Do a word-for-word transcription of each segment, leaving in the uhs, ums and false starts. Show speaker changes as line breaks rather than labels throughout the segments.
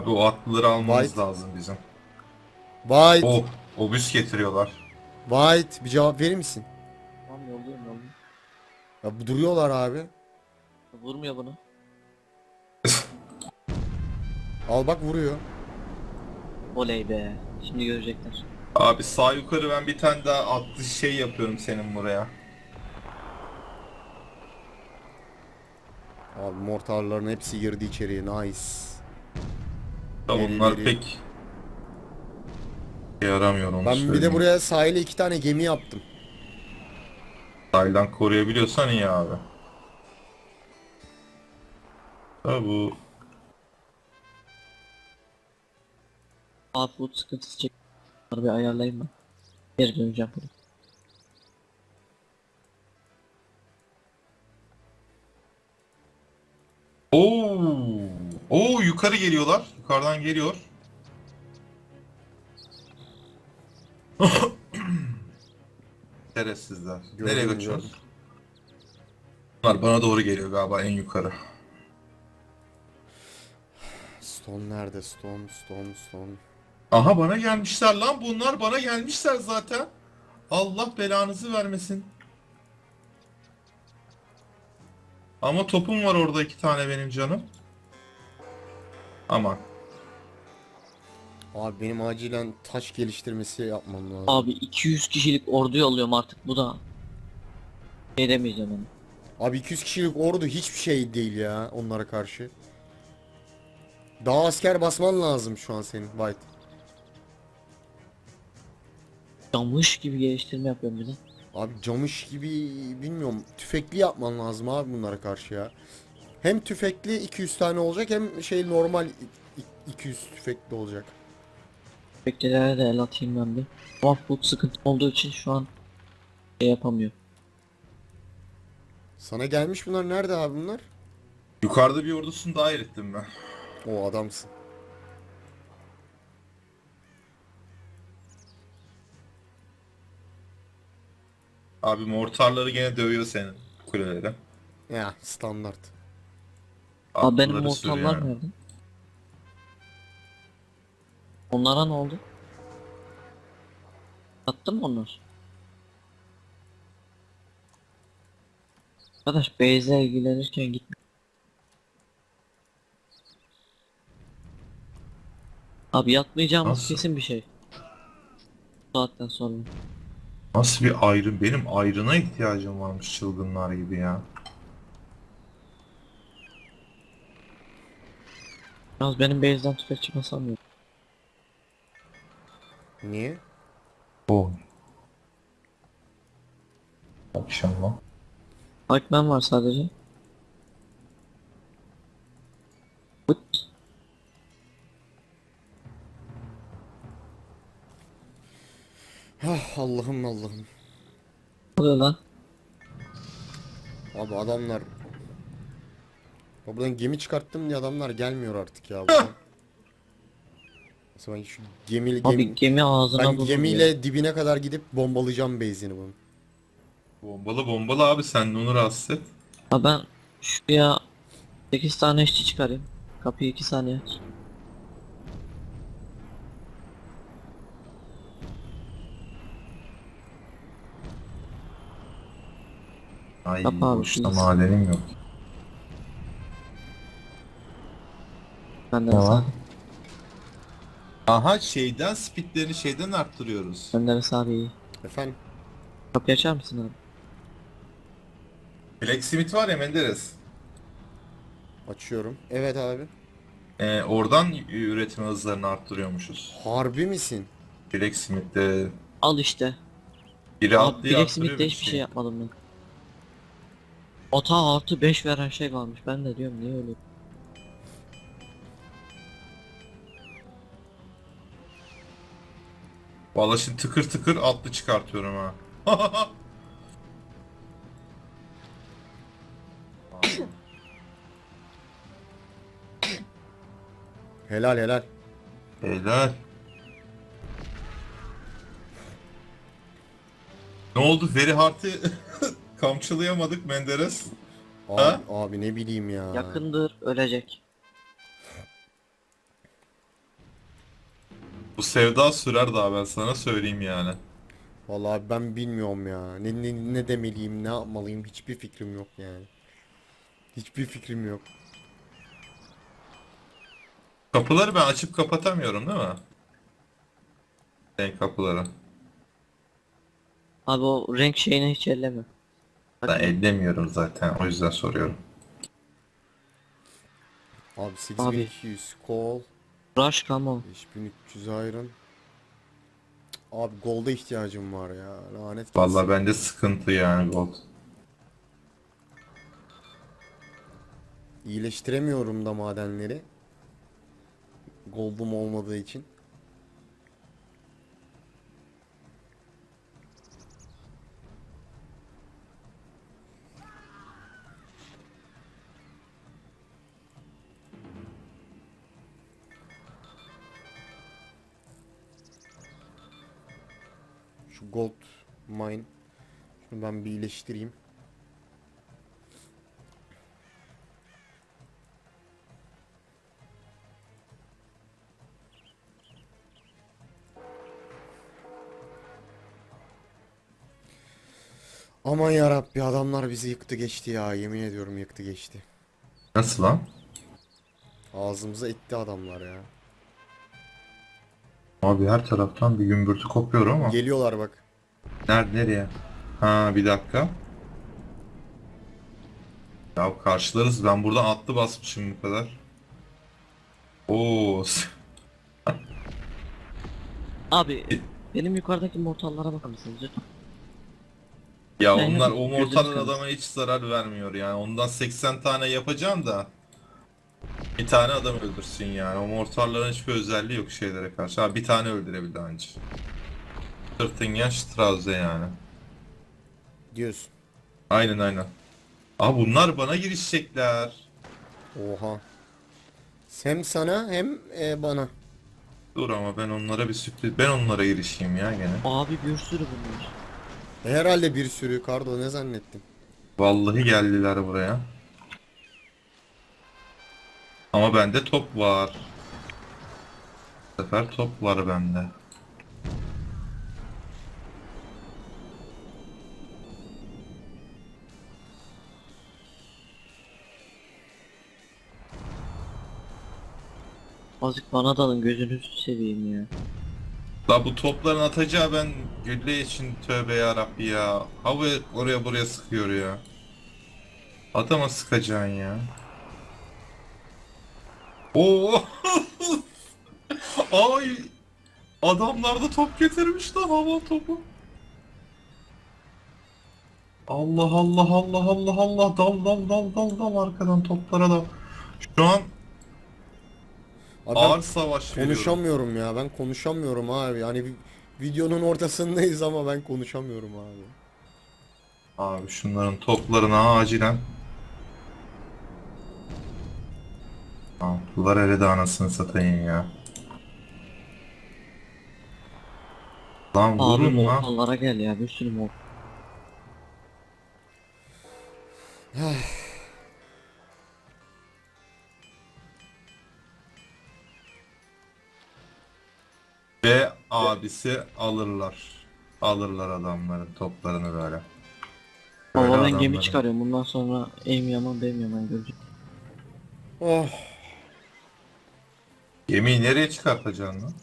Abi o atlıları almamız
White.
lazım bizim.
White.
Oh, obüs getiriyorlar.
White. Bir cevap verir misin?
Tamam yolluyorum yolluyorum.
Ya bu duruyorlar abi.
Vurmuyor bunu.
Al bak vuruyor.
Oley be. Şimdi görecekler.
Abi sağ yukarı ben bir tane daha atlı şey yapıyorum senin buraya.
Abi mortarların hepsi girdi içeriye. Nice.
Da bunlar
Elleri.
pek yaramıyor onu
Ben bir de
söyleyeyim.
buraya sahile iki tane gemi yaptım.
Sahilden koruyabiliyorsan iyi abi. Da bu
Output sıkıntısı çek. Bunları bir ayarlayayım ben. Geri döneceğim buraya.
Oo! Oo yukarı geliyorlar. Yukarıdan geliyor. Şerefsizler.
Gördüm,
Nereye
gördüm.
kaçıyoruz? Bunlar bana doğru geliyor galiba en yukarı.
Stone nerede? Stone, stone, stone.
Aha bana gelmişler lan bunlar bana gelmişler zaten. Allah belanızı vermesin. Ama topum var orada iki tane benim canım. Aman.
Abi benim acilen taş geliştirmesi yapmam lazım.
Abi iki yüz kişilik ordu yolluyorum artık bu da. Şey demeyeceğim onu.
Abi iki yüz kişilik ordu hiçbir şey değil ya onlara karşı. Daha asker basman lazım şu an senin White.
Camış gibi geliştirme yapıyorum bir de.
Abi camış gibi bilmiyorum tüfekli yapman lazım abi bunlara karşı ya. Hem tüfekli iki yüz tane olacak hem şey normal i- i- iki yüz tüfekli olacak.
Beklelere de el atayım ben bir. Output sıkıntı olduğu için şu an şey yapamıyor.
Sana gelmiş bunlar nerede abi bunlar?
Yukarıda bir ordusunu dahil ettim ben.
O adamsın.
Abi mortarları gene dövüyor senin kuleleri.
Ya standart.
Abi benim
Atlıları
mortallar
sürüyor.
nerede? Onlara ne oldu? Attın mı onlar? Arkadaş base'le ilgilenirken gitme. Abi yatmayacağımız
Nasıl?
kesin bir şey. Bu saatten sonra.
Nasıl bir ayrım? Benim ayrına ihtiyacım varmış çılgınlar gibi ya.
Yalnız benim base'den tüfek çıkmasam yok.
Niye?
O. Akşam.
Pikeman var sadece. Bıt.
Ah Allah'ım Allah'ım.
Ne oluyor lan?
Abi adamlar. Ya buradan gemi çıkarttım diye adamlar gelmiyor artık ya buradan. Mesela ben şu gemi,
Abi
gemi
gemi ağzına
ben
bulur
gemiyle
ya.
dibine kadar gidip bombalayacağım base'ini bunun.
Bombalı bombalı abi sen de onu rahatsız et.
Abi ben şuraya sekiz tane işçi çıkarayım. Kapıyı iki saniye aç.
Ay
Yap abi,
boşta
please.
madenim yok.
Ben de
Ne
mesela.
var? Aha şeyden speedlerini şeyden arttırıyoruz.
Ben de mesela abi iyi.
Efendim?
Kapıyı açar mısın abi?
Blacksmith var ya Menderes.
Açıyorum. Evet abi.
Ee, oradan üretim hızlarını arttırıyormuşuz.
Harbi misin?
Blacksmith'te
Al işte.
biri
Abi
atlıyor arttırıyor
Blacksmith'te
bir
hiçbir şey yapmadım ben. Ota artı beş veren şey varmış. Ben de diyorum niye öyle?
Vallahi şimdi tıkır tıkır atlı çıkartıyorum ha.
Helal helal.
Helal. Ne oldu? Very Hard'ı kamçılayamadık Menderes.
Abi,
Ha?
abi ne bileyim ya.
Yakındır ölecek.
Bu sevda sürer daha, ben sana söyleyeyim yani.
Vallahi ben bilmiyorum ya. Ne, ne, ne demeliyim, ne yapmalıyım hiçbir fikrim yok yani. Hiçbir fikrim yok.
Kapıları ben açıp kapatamıyorum değil mi? Renk kapıları.
Abi o renk şeyini hiç elleme.
Ben
Bakma.
ellemiyorum zaten, o yüzden soruyorum.
Abi
Abi
sekiz bin iki yüz kol,
rush come.
beş bin üç yüz iron. Abi golda ihtiyacım var ya. Lanet
Vallahi
gelsin.
bende sıkıntı yani gold.
İyileştiremiyorum da madenleri. Gold'um olmadığı için. Şu gold mine. Şunu ben bir iyileştireyim. Aman yarabbi adamlar bizi yıktı geçti ya. Yemin ediyorum yıktı geçti.
Nasıl lan?
Ağzımıza etti adamlar ya.
Abi her taraftan bir gümbürtü kopuyor ama.
Geliyorlar bak.
Nerede, nereye? Ha, bir dakika. Ya karşılarız, ben buradan atlı basmışım bu kadar. Oo.
Abi benim yukarıdaki mortallara bakar mısınız lütfen?
Ya
Ben
onlar,
hep
o
gözünüz
mortarlar
kalın.
adama hiç zarar vermiyor yani. Ondan seksen tane yapacağım da bir tane adam öldürsün yani. O mortarların hiçbir özelliği yok şeylere karşı. Ha, bir tane öldürebildi anca. Sırtingen Strauss'e yani.
Diyorsun.
Aynen aynen. Aa, bunlar bana girişecekler.
Oha. Hem sana hem e, bana.
Dur ama ben onlara bir sürpriz... Ben onlara girişeyim ya gene.
Abi bir sürü bunlar.
E, herhalde bir sürü kardo ne zannettim.
Vallahi geldiler buraya. Ama bende top var. Bu sefer top var bende.
Azıcık bana dalın gözünüzü seveyim ya.
La bu topların atacağı, ben gülle için tövbe yarabbi ya. Hava oraya buraya sıkıyor ya. Adama sıkacaksın ya. Oo! Ay! Adamlar da top getirmiş lan, hava topu. Allah Allah Allah Allah Allah, dal dal dal dal dal arkadan toplara da. Şu an
Abi ben
ağır savaş veriyorum.
konuşamıyorum ya. Ben konuşamıyorum abi. Yani vi- videonun ortasındayız ama ben konuşamıyorum abi.
Abi şunların toplarına acilen. Altılar eridi anasını satayım ya. Lan
Abi
vurun lan.
mortallara gel ya bir sürü mor.
Ve abisi alırlar. Alırlar adamların toplarını böyle. Böyle
Baba ben gemi
adamların.
çıkarıyorum bundan sonra aim yaman benim yaman görecek.
Oh.
Gemiyi nereye çıkartacaksın lan?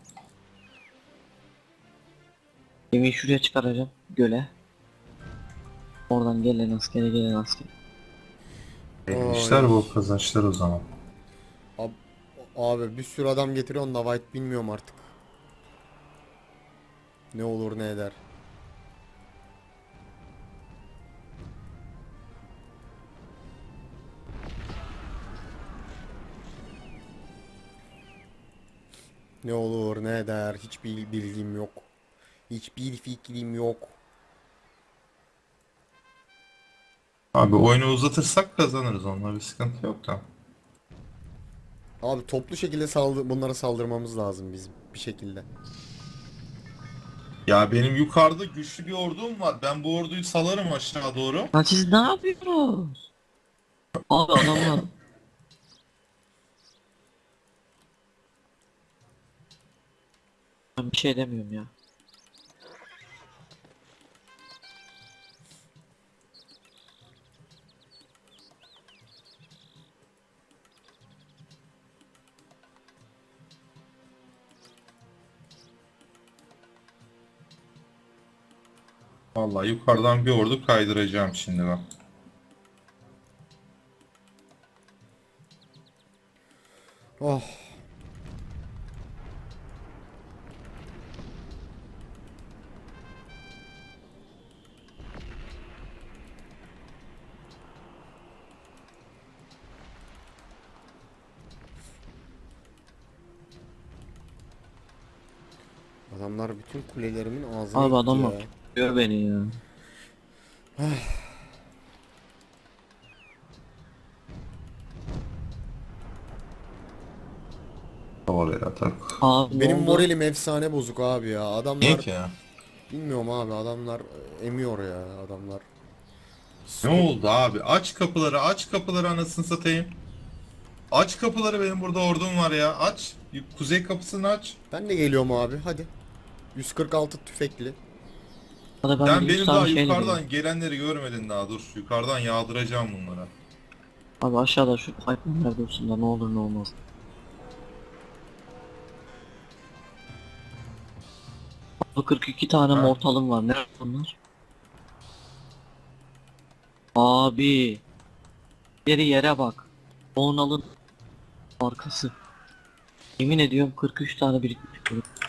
Gemiyi şuraya çıkaracağım göle. Oradan gelen askere gelen asker.
Neymişler bu kazançlar o zaman.
Abi, abi bir sürü adam getiriyorsun da White bilmiyorum artık. Ne olur ne eder. Ne olur ne eder hiçbir bilgim yok. Hiçbir fikrim yok.
Abi oyunu uzatırsak kazanırız, onunla bir sıkıntı yok da.
Abi toplu şekilde saldı bunlara saldırmamız lazım bizim bir şekilde.
Ya benim yukarıda güçlü bir ordum var. Ben bu orduyu salarım aşağı doğru.
Lan siz ne yapıyorsunuz? Abi adamlar Ben bir şey demiyorum ya.
Vallahi yukarıdan bir ordu kaydıracağım şimdi bak.
Oh. Adamlar bütün kulelerimin ağzına
Abi
gitti
adamlar
ya.
gör beni ya.
Oraya atak.
Abi ne
Benim
oldu?
moralim efsane bozuk abi ya.
Niye
Adamlar
ki ya?
bilmiyorum abi, adamlar e, emiyor ya adamlar.
Ne oldu abi? Aç kapıları, aç kapıları anasını satayım. Aç kapıları, benim burada ordum var ya. Aç. Kuzey kapısını aç.
Ben de geliyorum abi, hadi. yüz kırk altı tüfekli.
Hadi ben
Sen
bir yüz
benim
tane
daha
şeyle
yukarıdan
geleyim.
gelenleri görmedin daha, dur. Yukarıdan yağdıracağım bunlara.
Abi aşağıda şu hayvanlar dursun da ne olur ne olmaz. Abi kırk iki tane
Ha.
mortalım var. Ne bunlar? Abi. Yeri yere bak. Onalın arkası. Yemin ediyorum kırk üç tane birikmiş.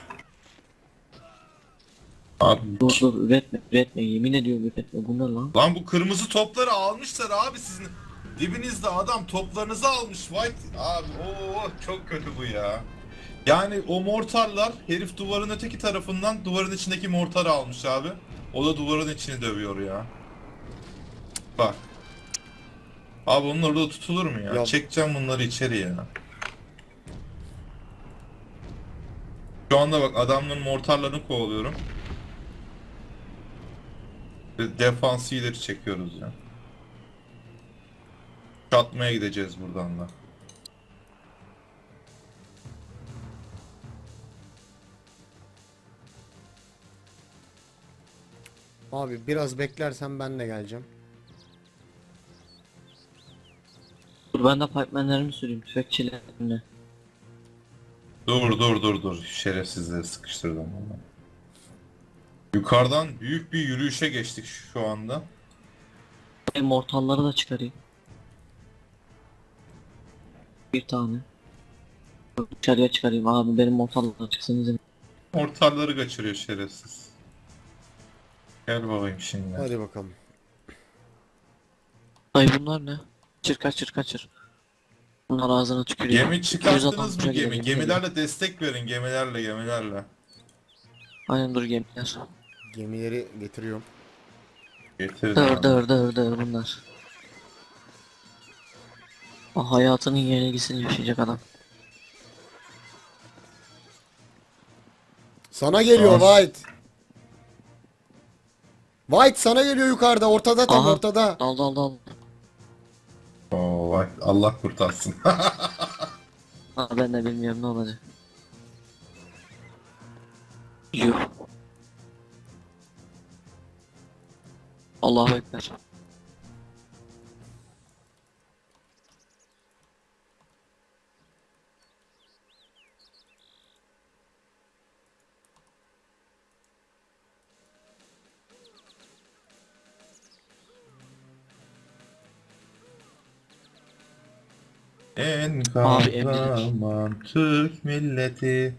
Abi.
Dur dur üretme üretme yemin ediyorum üretme. Bu ne lan?
Lan bu kırmızı topları almışlar abi sizin. Dibinizde adam toplarınızı almış. White abi, oo çok kötü bu ya. Yani o mortarlar, herif duvarın öteki tarafından duvarın içindeki mortarı almış abi. O da duvarın içini dövüyor ya. Bak. Abi onun orada tutulur mu ya?
Ya-
Çekeceğim bunları içeri ya. Şu anda bak adamların mortarlarını kovalıyorum. Ve defansı ileri çekiyoruz ya. Çatmaya gideceğiz buradan da.
Abi biraz beklersen ben de geleceğim.
Dur ben de pipemanlerimi süreyim tüfekçilerimle.
Dur dur dur dur. Şerefsizleri sıkıştırdım onu. Yukarıdan büyük bir yürüyüşe geçtik şu anda.
Benim mortalları da çıkarayım. Bir tane. Dışarıya çıkarayım abi benim mortallar çıksın izin.
Mortarları kaçırıyor şerefsiz. Gel bakayım şimdi.
Hadi bakalım.
Ay bunlar ne? Kaçır kaçır kaçır. Bunlar ağzına tükürüyor.
Gemi çıkarttınız mı
yüz altmışa
gemi?
gidelim.
Gemilerle destek verin, gemilerle gemilerle.
Aynen dur gemiler.
Gemileri getiriyorum.
Getirin
Dır
abi.
dır dır dır bunlar. Ah, hayatının yenilgisini yaşayacak adam.
Sana geliyor
Tamam.
White. White sana geliyor yukarıda, ortada, tam
Aha.
ortada.
Dal dal dal.
Oo, vay, Allah kurtarsın.
Ha, ben de bilmiyorum ne olacak. Yuh. Allahu Ekber.
En
Abi, emrilik.
kahraman Türk milleti.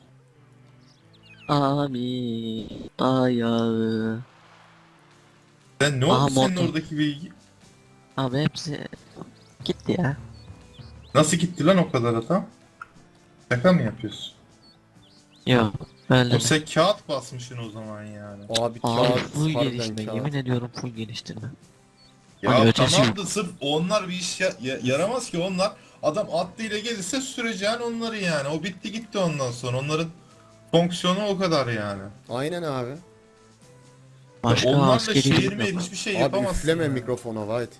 Abi ayağı.
Sen ne
Aha,
oldu senin
mortar.
oradaki bilgi?
Abi hepsi gitti ya.
Nasıl gitti lan o kadar adam? Şaka mı yapıyorsun?
Yok öyle
O
de.
sen kağıt basmışsın o zaman yani.
Abi
Abi
kağıt,
full
harbiden
gelişme
kağıt.
yemin ediyorum full geliştirme.
Ya
Hani ötesi
tamam
yok.
da sırf onlar bir iş ya- ya- yaramaz ki onlar. Adam atlıyla gelirse süreceğin onları yani. O bitti gitti ondan sonra. Onların fonksiyonu o kadar yani.
Aynen abi.
Başka
Onlarla
askeri
şehir
gücüm
mehir
yok.
hiçbir şey
Abi
yapamazsın.
üfleme
yani.
mikrofona White.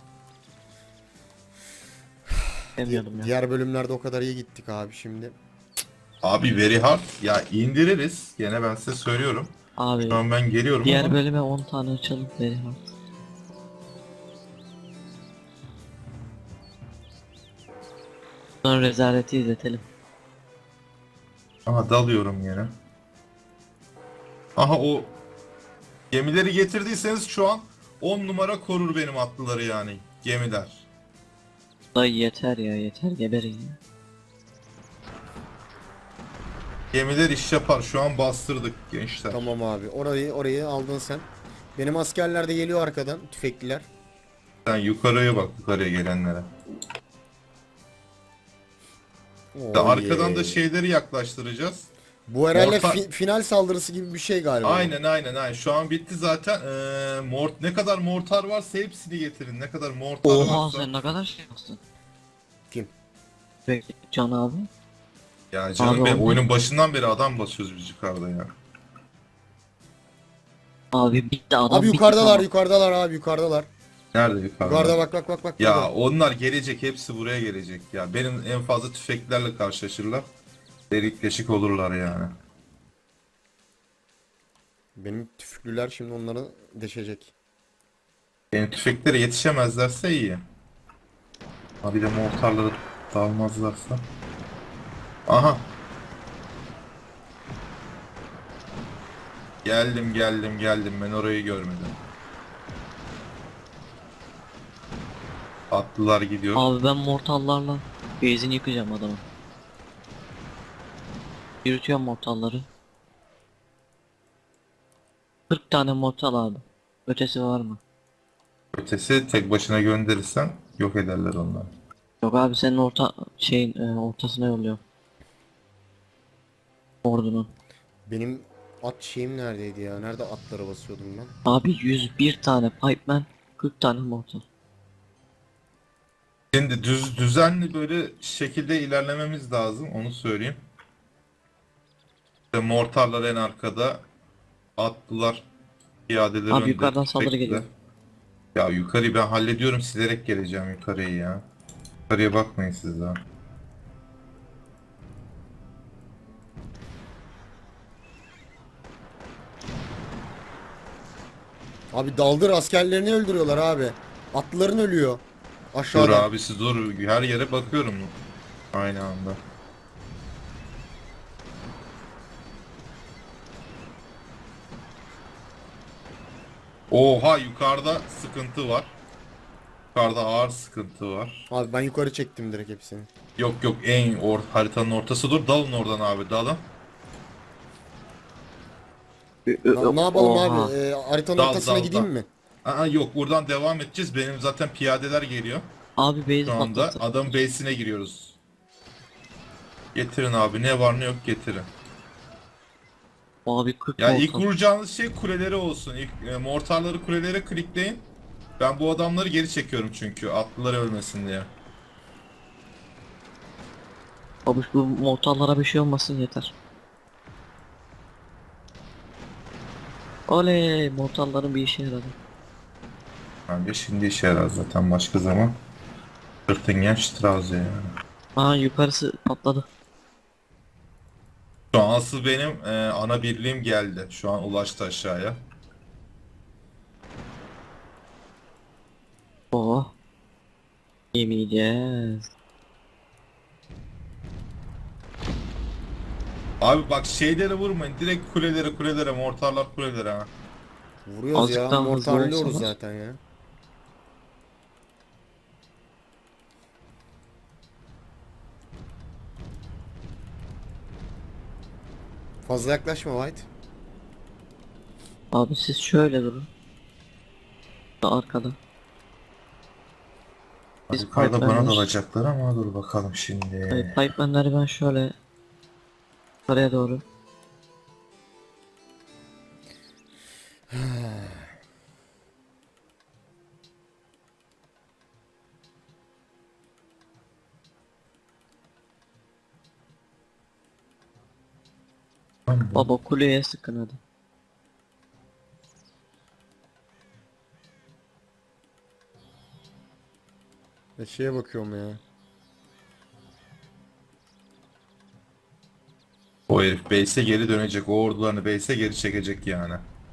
Demiyordum ya.
Diğer bölümlerde o kadar iyi gittik abi şimdi.
Abi very hard. Ya indiririz. Gene ben size söylüyorum.
Abi
Şu an ben geliyorum
diğer
ama.
bölüme on tane açalım very hard. Sonra rezaleti izletelim.
Aha dalıyorum yine. Aha o gemileri getirdiyseniz şu an on numara korur benim atlıları yani. Gemiler.
Dayı yeter ya, yeter, geberin ya.
Gemiler iş yapar. Şu an bastırdık gençler.
Tamam abi. Orayı orayı aldın sen. Benim askerler de geliyor arkadan. Tüfekliler.
Sen yukarıya bak, yukarıya gelenlere.
Oo,
Arkadan da
yeah.
şeyleri yaklaştıracağız.
Bu herhalde
Orta-
fi- final saldırısı gibi bir şey galiba.
Aynen aynen aynen. Şu an bitti zaten. Ee, mort ne kadar mortar varsa hepsini getirin. Ne kadar mortar
Oha
varsa.
sen ne kadar şey yaptın.
Kim?
Peki Can abi.
Ya canım
Abi
benim
onlar-
oyunun başından beri adam basıyoruz biz yukarıda ya.
Abi bitti adam
Abi
bitti,
yukarıdalar,
tamam.
yukarıdalar abi, yukarıdalar.
Nerede yukarıda?
Yukarıda bak bak bak bak.
Ya
burada.
onlar gelecek, hepsi buraya gelecek ya. Benim en fazla tüfeklerle karşılaşırlar. Delik deşik olurlar yani.
Benim tüfeklüler şimdi onları deşecek.
Benim tüfeklere yetişemezlerse iyi. Ha bir de mortarları dalmazlarsa. Aha. Geldim geldim geldim, ben orayı görmedim. Atlılar gidiyor.
Abi ben mortallarla base'ini yıkacağım adamı. Yürütüyorum mortalları. kırk tane mortal abi. Ötesi var mı?
Ötesi tek başına gönderirsen yok ederler onlar.
Yok abi senin orta şeyin e, ortasına yolluyorum. Ordunun.
Benim at şeyim neredeydi ya? Nerede atlara basıyordum ben?
Abi yüz bir tane pipeman, kırk tane mortal.
Şimdi düz düzenli böyle şekilde ilerlememiz lazım, onu söyleyeyim. İşte mortarlar en arkada, atlılar, piyadeler
Abi
önde,
yukarıdan saldırı
tüfekliler.
geliyor.
Ya yukarıyı ben hallediyorum, silerek geleceğim yukarıyı ya. Yukarıya bakmayın siz daha.
Abi daldır, askerlerini öldürüyorlar abi. Atlıların ölüyor.
Dur
Aşağıda.
abi siz dur, her yere bakıyorum aynı anda. Oha, yukarıda sıkıntı var. Yukarıda ağır sıkıntı var.
Abi ben yukarı çektim direkt hepsini.
Yok yok, en or haritanın ortası, dur dalın oradan abi, dalın.
Na- ne yapalım
Oha.
abi? Ee, haritanın
Dal,
ortasına
dal,
gideyim
dal.
mi?
Aa, yok, buradan devam edeceğiz. Benim zaten piyadeler geliyor.
Abi base
Şu anda
patlattı.
adam base'ine giriyoruz. Getirin abi, ne var ne yok getirin.
Abi kırk
Ya ilk
mortal.
vuracağınız şey kuleleri olsun. İlk e, mortarları kulelere klikleyin. Ben bu adamları geri çekiyorum çünkü atlılar ölmesin diye.
Abi bu mortallara bir şey olmasın yeter. Oley, mortalların bir işe yaradı.
Bence şimdi işe yarar zaten, başka zaman. Sırtingen Strauss yani.
Aa yukarısı patladı.
Şu an asıl benim e, ana birliğim geldi. Şu an ulaştı aşağıya.
Oh. Yemeyeceğiz.
Abi bak, şeylere vurmayın. Direkt kulelere kulelere, mortarlar kulelere ha.
Vuruyoruz
Azıcık
ya.
daha hızlı
Mortarlıyoruz
olsalar.
zaten ya. Fazla yaklaşma White.
Abi siz şöyle durun. Da arkada. Biz
Yukarıda bana
pipemanler-
dalacaklar ama dur bakalım şimdi.
Evet, pipemanları ben şöyle yukarıya doğru. Baba kuleye sıkın hadi.
E şeye bakıyorum ya.
O herif base'e geri dönecek. O ordularını base'e geri çekecek yani.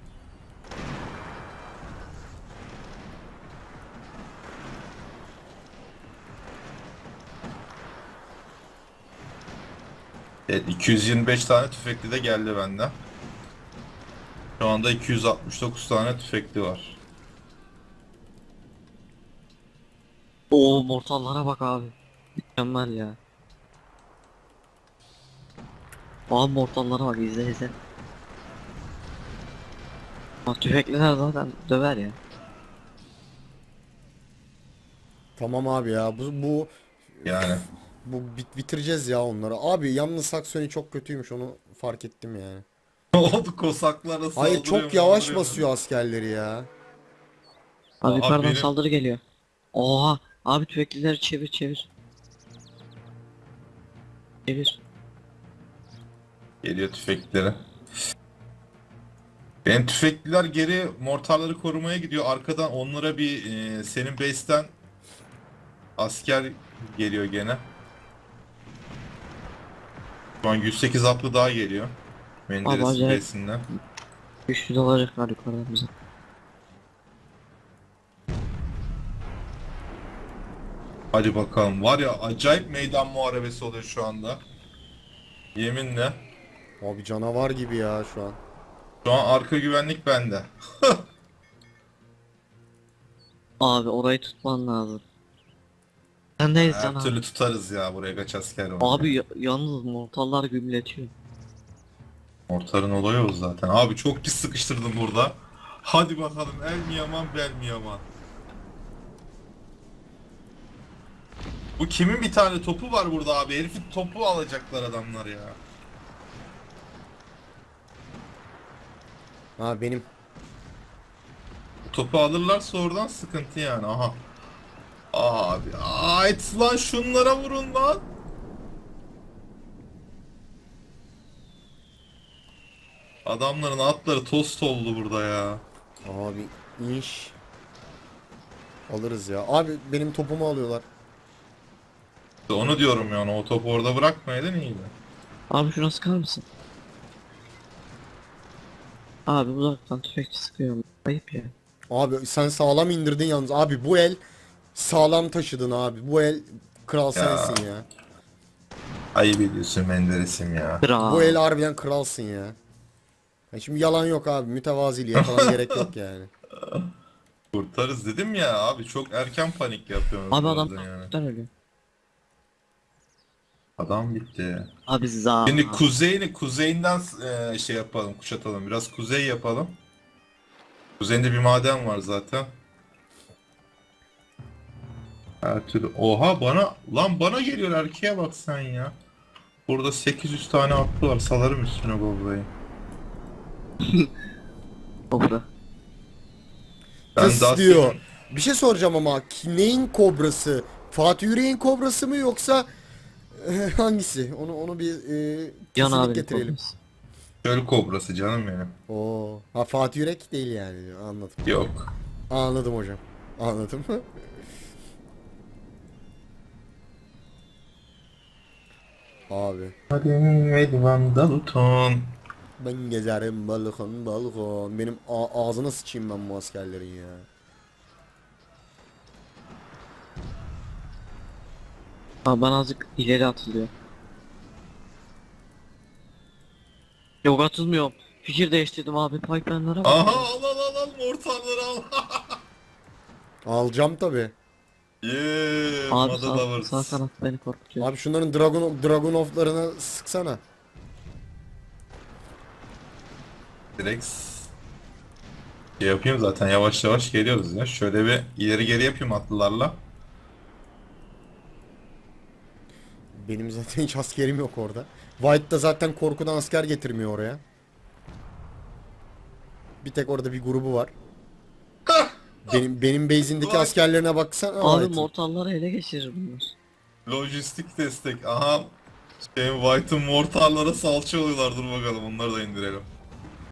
Evet, iki yüz yirmi beş tane tüfekli de geldi benden. Şu anda iki yüz altmış dokuz tane tüfekli var.
Oo, mortallara bak abi. Mükemmel ya. Abi mortallara bak, izle izle. Bak tüfekliler zaten döver ya.
Tamam abi ya, bu bu
Yani.
bu bit bitireceğiz ya onları. Abi yalnız Saksoni çok kötüymüş, onu fark ettim yani.
Ne oldu, kosaklara
Hayır,
saldırıyor
çok yavaş
maldırıyor.
basıyor askerleri ya.
Abi
Aa,
yukarıdan
benim-
saldırı geliyor. Oha abi, tüfeklileri çevir çevir. Çevir.
Geliyor tüfekleri. Benim tüfekliler geri mortarları korumaya gidiyor. Arkadan onlara bir e, senin base'ten asker geliyor gene. Şu an yüz sekiz atlı daha geliyor. Menderes'in
acayip.
base'inden.
Güçlü dalacaklar yukarıdan bize.
Hadi bakalım. Var ya, acayip meydan muharebesi oluyor şu anda. Yeminle.
Abi canavar gibi ya şu an.
Şu an arka güvenlik bende.
Abi orayı tutman lazım. Sendeyiz
Her
can abi.
türlü tutarız ya, buraya kaç asker var.
Abi ya- yalnız mortallar gümletiyor.
Mortarın olayı o zaten. Abi çok pis sıkıştırdım burada. Hadi bakalım, el mi yaman bel mi yaman. Bu kimin bir tane topu var burada abi? Herifin topu alacaklar adamlar ya.
Ha benim.
Bu topu alırlarsa oradan sıkıntı yani. Aha. Abi ait lan, şunlara vurun lan. Adamların atları tost oldu burada ya.
Abi inş. Alırız ya. Abi benim topumu alıyorlar.
İşte onu diyorum yani, o topu orada bırakmayaydın iyiydi.
Abi şuna sıkar mısın? Abi uzaktan tüfekçi sıkıyor. Ayıp ya.
Abi sen sağlam indirdin yalnız. Abi bu el sağlam taşıdın abi. Bu el kral sensin ya.
Ayıp ediyorsun Menderes'im ya.
Kral.
Bu el harbiden kralsın ya. Ya şimdi yalan yok abi. Mütevaziliğe falan gerek yok yani.
Kurtarız dedim ya abi, çok erken panik yapıyorsunuz
Abi
bu
adam
arada yani.
taktıktan ölüyor.
Adam bitti.
Abi za.
Şimdi kuzeyini kuzeyinden e, şey yapalım, kuşatalım. Biraz kuzey yapalım. Kuzeyinde bir maden var zaten. Her türlü. Oha, bana lan bana geliyor, erkeğe bak sen ya. Burada sekiz yüz tane atlı var. Salarım üstüne babayı.
Kobra.
Ben
Kız
daha
diyor.
senin-
Bir şey soracağım ama ki- neyin kobrası? Fatih Yüreğin kobrası mı yoksa e, hangisi? Onu onu bir e,
Yan
kesinlik
abi
getirelim.
Çöl kobrası canım benim.
Oo. Ha Fatih Yürek değil yani diyor. Anladım.
Yok.
Anladım hocam. Anladım. Abi.
Hadi Edvan Dalton.
Ben gezerim balkon balkon. Benim a- ağzına sıçayım ben bu askerlerin ya.
Abi bana azıcık ileri atılıyor. Yok atılmıyorum. Fikir değiştirdim abi, pipeline'lara bak.
Aha, al al al al, mortarları al.
Alacağım tabi.
Yeee,
Abi
Mother
sağ,
Lovers.
sağ kanat beni korkutuyor.
Abi şunların Dragon Dragunov'larına sıksana.
Direkt şey yapayım, zaten yavaş yavaş geliyoruz ya. Şöyle bir ileri geri yapayım atlılarla.
Benim zaten hiç askerim yok orada. White da zaten korkudan asker getirmiyor oraya. Bir tek orada bir grubu var. Benim benim base'indeki
Vay.
askerlerine baksana.
Abi
White'ın.
mortalları ele geçirir bunlar.
Lojistik destek. Aha. Şeyin White'ın mortarlara salça oluyorlar. Dur bakalım, onları da indirelim.